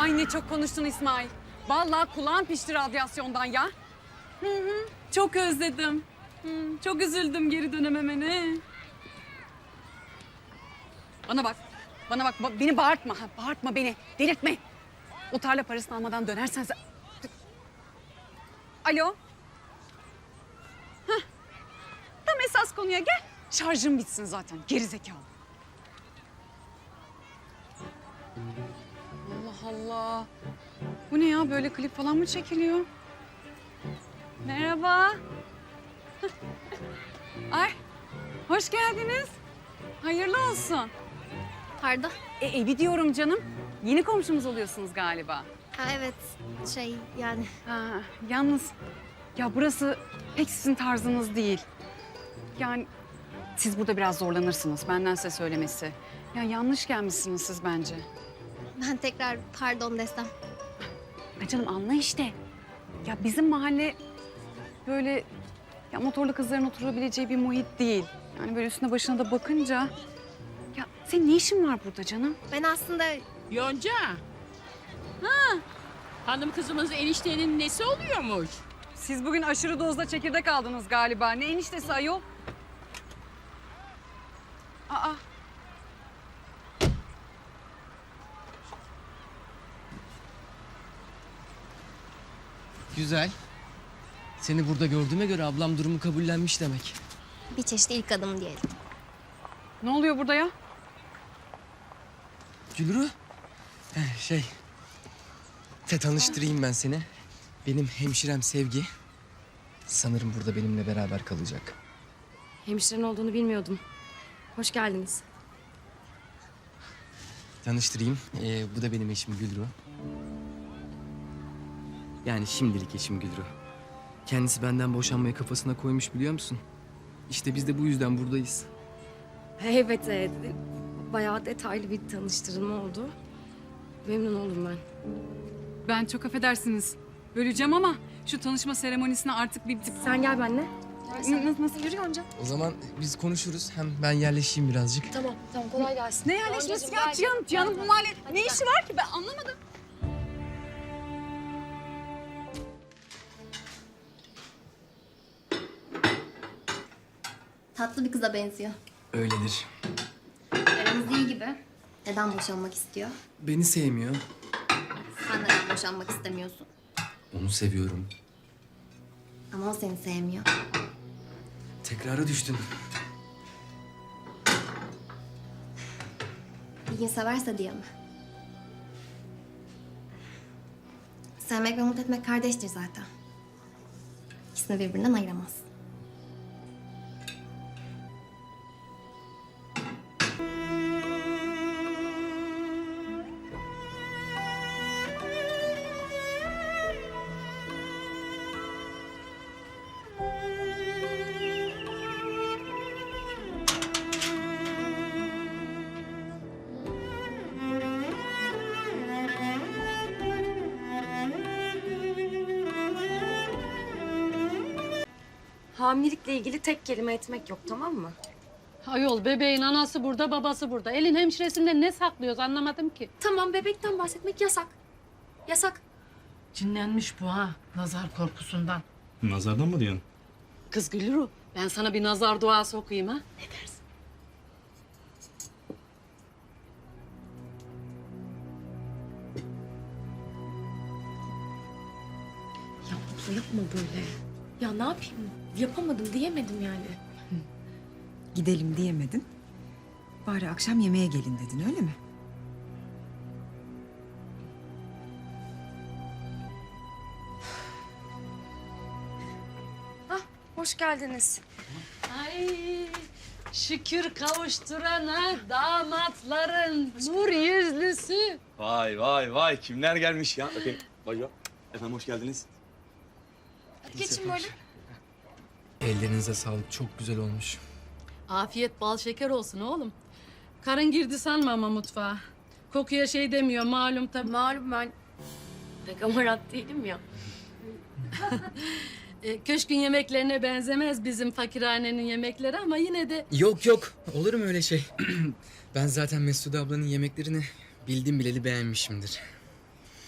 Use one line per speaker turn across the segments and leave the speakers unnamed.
Ay ne çok konuştun İsmail. Vallahi kulağım pişti radyasyondan ya.
Çok özledim. Çok üzüldüm geri dönememene.
Bana bak. Beni bağırtma. Bağırtma beni. Delirtme. O tarla parasını almadan dönersen sen... Alo. Hah. Tam esas konuya gel. Şarjım bitsin zaten. Gerizekalı. Allah Allah. Bu ne ya? Böyle klip falan mı çekiliyor? Merhaba. Ay, hoş geldiniz. Hayırlı olsun.
Pardon.
Evi diyorum canım. Yeni komşumuz oluyorsunuz galiba.
Ha evet yani
Ha, yalnız ya burası pek sizin tarzınız değil. Yani siz burada biraz zorlanırsınız. Benden size söylemesi. Ya yanlış gelmişsiniz siz bence.
ben tekrar pardon desem.
Ya canım anla işte. Ya bizim mahalle böyle ya motorlu kızların oturabileceği bir muhit değil. Yani böyle üstüne başına da bakınca... Ya senin ne işin var burada canım?
Ben aslında
Yonca. Ha. Hanım kızımız eniştenin nesi oluyormuş?
Siz bugün aşırı dozda çekirdek aldınız galiba. Ne eniştesi ayol? Aa.
Güzel. Seni burada gördüğüme göre ablam durumu kabullenmiş demek.
bir çeşit ilk adım diyelim.
Ne oluyor burada ya?
Gülru. Tanıştırayım ben seni. Benim hemşirem Sevgi. Sanırım burada benimle beraber kalacak.
Hemşiren olduğunu bilmiyordum. Hoş geldiniz.
Tanıştırayım. Bu da benim eşim Gülru. Yani şimdilik eşim Gülru. Kendisi benden boşanmayı kafasına koymuş biliyor musun? İşte biz de bu yüzden buradayız.
Evet, bayağı detaylı bir tanıştırma oldu. Memnun oldum ben.
Ben çok affedersiniz. Böleceğim ama şu tanışma seremonisine artık bir...
Sen gel benimle.
Nasıl yürü Yonca?
O zaman biz konuşuruz. Hem ben yerleşeyim birazcık.
Tamam, kolay gelsin.
Ne yerleşmesi ya Cihan'ın bu mahalle ne işi var ki ben anlamadım.
Tatlı bir kıza benziyor.
Öyledir.
Aramız iyi gibi. Neden boşanmak istiyor?
Beni sevmiyor.
Sen neden boşanmak istemiyorsun?
Onu seviyorum.
Ama o seni sevmiyor.
Tekrara düştün.
Bir gün severse diye mi? Sevmek ve umut etmek kardeştir zaten. İkisini birbirinden ayıramaz.
Hamilelikle ilgili tek kelime etmek yok, tamam mı?
Ayol bebeğin anası burada, babası burada. Elin hemşiresinden ne saklıyoruz anlamadım ki.
Tamam, bebekten bahsetmek yasak. Yasak.
Cinlenmiş bu ha, nazar korkusundan.
Nazardan mı diyorsun?
Kız Gülru, ben sana bir nazar duası okuyayım ha. Ne dersin?
Ya abla yapma böyle. Ya ne yapayım? Yapamadım diyemedim yani.
Gidelim diyemedin. Bari akşam yemeğe gelin dedin öyle mi?
Hoş geldiniz.
Ay şükür kavuşturana damatların nur yüzlüsü.
Vay vay vay kimler gelmiş ya? Bakayım. Vay ya. Efendim hoş geldiniz.
Hadi geçin böyle.
Ellerinize sağlık. Çok güzel olmuş.
Afiyet bal şeker olsun oğlum. Karın girdi sanma ama mutfağa. Kokuya şey demiyor malum tabii.
Malum ben pek amarat değilim ya.
Köşkün yemeklerine benzemez bizim fakirhanenin yemekleri ama yine de...
Yok yok. Olur mu öyle şey? Ben zaten Mesude ablanın yemeklerini bildim bileli beğenmişimdir.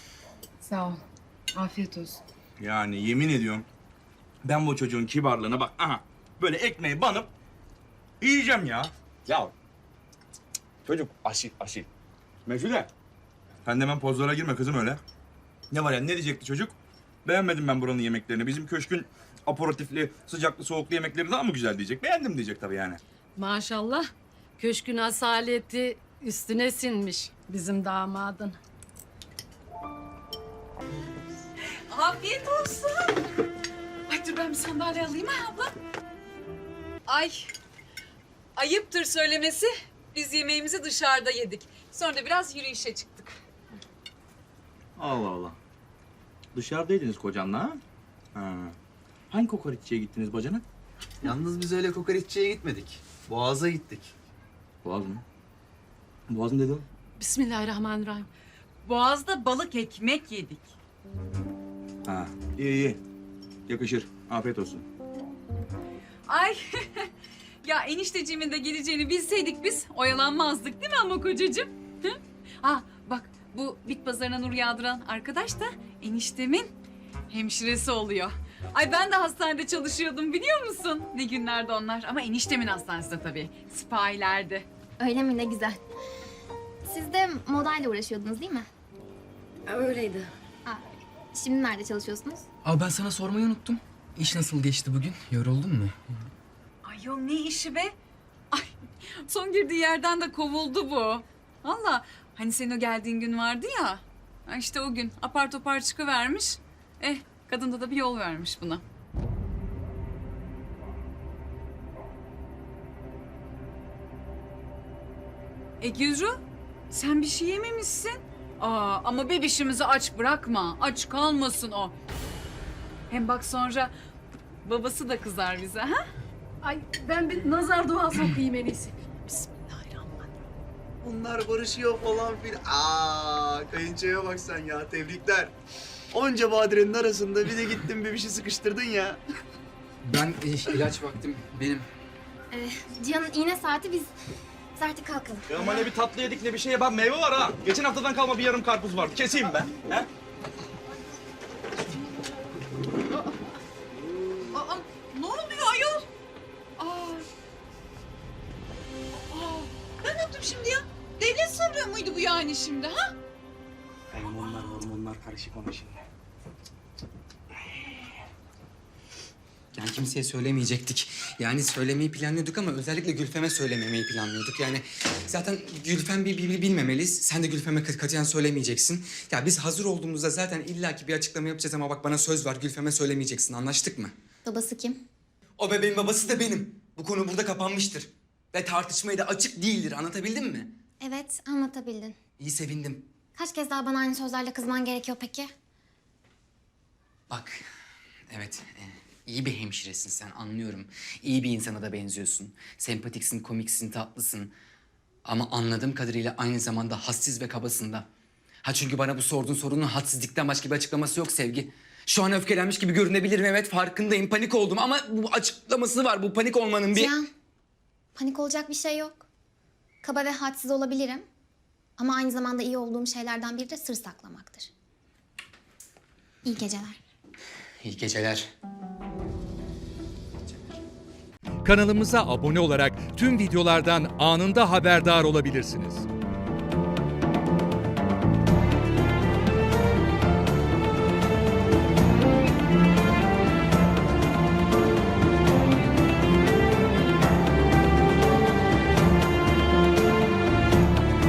Sağ ol. Afiyet olsun.
Yani yemin ediyorum ben bu çocuğun kibarlığına bak. Aha böyle ekmeği banıp yiyeceğim ya. Ya çocuk asil asil. Mesude sen de hemen pozlara girme kızım öyle. Ne var ya ne diyecekti çocuk? Beğenmedim ben buranın yemeklerini. Bizim köşkün aperatifli, sıcaklı, soğuklu yemekleri daha mı güzel diyecek. Beğendim diyecek tabii yani.
Maşallah. Köşkün asaleti üstüne sinmiş bizim damadın.
Afiyet olsun. Ay dur ben bir sandalye alayım ha abla. Ay ayıptır söylemesi. Biz yemeğimizi dışarıda yedik. Sonra da biraz yürüyüşe çıktık.
Allah Allah. Dışarıdaydınız kocanla ha? Ha. Hangi kokoreççiye gittiniz bacanak?
Yalnız biz öyle kokoreççiye gitmedik. Boğaz'a gittik.
Boğaz mı? Boğaz mı dedin?
Bismillahirrahmanirrahim.
Boğaz'da balık ekmek yedik.
Ha. İyi iyi. Yakışır. Afiyet olsun.
Ay ya enişteciğimin de geleceğini bilseydik biz oyalanmazdık değil mi ama kocacığım? Hı? Ah bak bu bit pazarına nur yağdıran arkadaş da eniştemin hemşiresi oluyor. Ay ben de hastanede çalışıyordum biliyor musun? Ne günlerdi onlar ama eniştemin hastanesinde tabii. Sipahilerdi.
Öyle mi? Ne güzel. Siz de modayla uğraşıyordunuz değil mi?
Öyleydi.
Aa, şimdi nerede çalışıyorsunuz?
Abi ben sana sormayı unuttum. İş nasıl geçti bugün? Yoruldun mu?
Ay yok ne işi be? Ay son girdiği yerden de kovuldu bu. Valla hani senin o geldiğin gün vardı ya. Ha işte o gün apar topar çıkıvermiş. Kadında da bir yol vermiş buna. Gülru sen bir şey yememişsin. Ama bebişimizi aç bırakma. Aç kalmasın o. Hem bak sonra babası da kızar bize ha?
Ay ben bir nazar duası okuyayım en iyisi. Bismillahirrahmanirrahim.
Bunlar barışıyor falan filan. Kayınçoya bak sen ya, tebrikler. Onca badirenin arasında bir de gittin bir şey sıkıştırdın ya.
Ben ilaç vaktim benim.
Cihan'ın iğne saati biz artık kalkalım.
Ya ama ne bir tatlı yedik ne bir şeye bak meyve var ha. Geçen haftadan kalma bir yarım karpuz vardı. Keseyim ben. He?
Ne oluyor ayol? Ben ne yaptım şimdi ya? Devlet sırrı mıydı bu yani şimdi ha?
Hormonlar karışık ona şimdi.
Yani kimseye söylemeyecektik. Yani söylemeyi planlıyorduk ama özellikle Gülfem'e söylememeyi planlıyorduk. Yani zaten Gülfem bir bilmemeli. Sen de Gülfem'e katiyen söylemeyeceksin. Ya biz hazır olduğumuzda zaten illaki bir açıklama yapacağız ama bak bana söz ver Gülfem'e söylemeyeceksin. Anlaştık mı?
Babası kim?
O bebeğin babası da benim. Bu konu burada kapanmıştır. Ve tartışmaya da açık değildir. Anlatabildim mi?
Evet, anlatabildin.
İyi sevindim.
Kaç kez daha bana aynı sözlerle kızman gerekiyor peki?
Bak, evet, iyi bir hemşiresin sen, anlıyorum. İyi bir insana da benziyorsun. Sempatiksin, komiksin, tatlısın. Ama anladığım kadarıyla aynı zamanda hassiz ve kabasın da. Ha çünkü bana bu sorduğun sorunun hadsizlikten başka bir açıklaması yok Sevgi. Şu an öfkelenmiş gibi görünebilirim, evet farkındayım, panik oldum ama bu açıklaması var, bu panik olmanın bir...
Cihan, panik olacak bir şey yok. Kaba ve hadsiz olabilirim. Ama aynı zamanda iyi olduğum şeylerden biri de sır saklamaktır. İyi geceler.
İyi geceler.
Kanalımıza abone olarak tüm videolardan anında haberdar olabilirsiniz.